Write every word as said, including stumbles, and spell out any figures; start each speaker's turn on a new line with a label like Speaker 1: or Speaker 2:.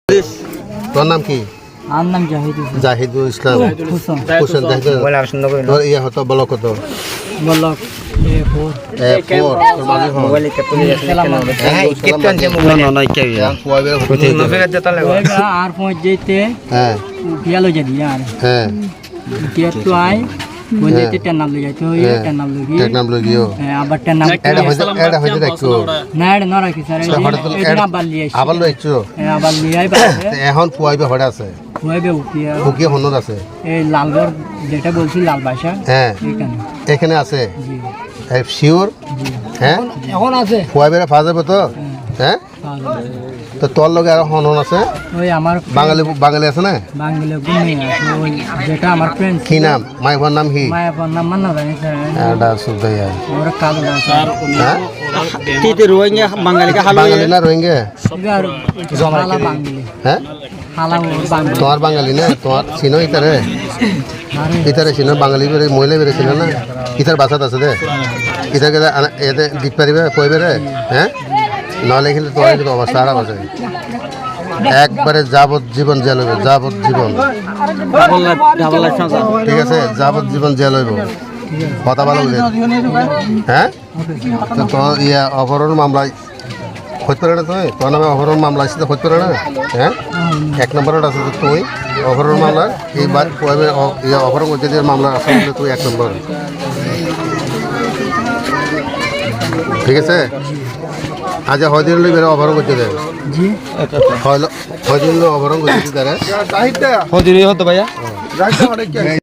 Speaker 1: তোর নাম কি?
Speaker 2: আমার নাম জাহিদুল
Speaker 1: জাহিদুল ইসলাম
Speaker 2: হোসেন
Speaker 1: হোসেন জাহিদুল তোর ইয়া হতো বলো কত
Speaker 2: বলক এ ফোর
Speaker 1: এ ফোর তোর মাঝে হল
Speaker 2: মোবাইল কে পুলিশ
Speaker 1: হ্যাঁ কেতন যে মোবাইল নয় কে কোয়াবে হতে
Speaker 2: আর পৌঁছ যেতে
Speaker 1: হ্যাঁ
Speaker 2: গেল যদি আর
Speaker 1: হ্যাঁ
Speaker 2: কে তো আই পৌঁছ যেতে টেন নাম লই যাইতো ওই টেন নাম লই
Speaker 1: টেক নাম লগিও
Speaker 2: আবার টেন নাম
Speaker 1: এটা হইছে এটা হইছে দেখো
Speaker 2: না এটা না রাখি স্যার এটা আবার লিয়ে
Speaker 1: আবার লইছো
Speaker 2: আবার লিয়ে আইবা
Speaker 1: এখন কোয়াবে হড়া আছে
Speaker 2: হইবে উকিয়া
Speaker 1: উকিয়া হনর আছে
Speaker 2: এই লালগড় যেটা বলছি লাল বাসা
Speaker 1: হ্যাঁ
Speaker 2: এখানে
Speaker 1: এখানে আছে
Speaker 2: জি
Speaker 1: এই শিওর হ্যাঁ
Speaker 2: এখন আছে
Speaker 1: কোয়াবে ফাজ যাবে তো হ্যাঁ তো তোর লগে আর হন হন আছে
Speaker 2: ওই আমার
Speaker 1: বাঙালি বাঙালি আছে না
Speaker 2: বাঙালি গুণে আছে ওই যেটা আমার ফ্রেন্ড
Speaker 1: কি নাম মাইফার নাম কি
Speaker 2: মায়া নাম মান্না জানি স্যার
Speaker 1: এটা সুদাইয়া
Speaker 2: ওরা কালো না স্যার
Speaker 1: হ্যাঁ
Speaker 2: তিতে রোহিঙ্গা বাঙালি কা হালো
Speaker 1: বাঙালি না রোহিঙ্গা
Speaker 2: আর হালা বাঙালি
Speaker 1: হ্যাঁ
Speaker 2: হালা বাঙালি
Speaker 1: তোমার বাঙালি না তোমার চিনো ইতারে ইতারে চিনো বাঙালি বেরে মহিলা বেরে চিনো না ইতার বাসাত আছে দে ইতার কেদা এতে দিত পারিবে কইবে রে হ্যাঁ নাহলে কিন্তু তোমার কিন্তু অবস্থা খারাপ আছে একবারে যাবত জীবন জেল হইব যাবত জীবন ঠিক আছে যাবত জীবন জেল হইব কথা ভালো বুঝে হ্যাঁ তো তোর ইয়া অপহরণ মামলায় হইতে পারে না তুই তোর নামে অপহরণ মামলা আসছে হইতে পারে না হ্যাঁ এক নম্বরের আছে তো তুই অপহরণ মামলা এইবার ইয়া অপহরণ করতে দিয়ে মামলা আছে তুই এক নম্বর ঠিক আছে আজ হয়দিন বেড়ে অপহরণ করতে দেয়
Speaker 2: জি
Speaker 1: হয়দিন অপহরণ করতে তারা
Speaker 3: হদিনই হতো ভাইয়া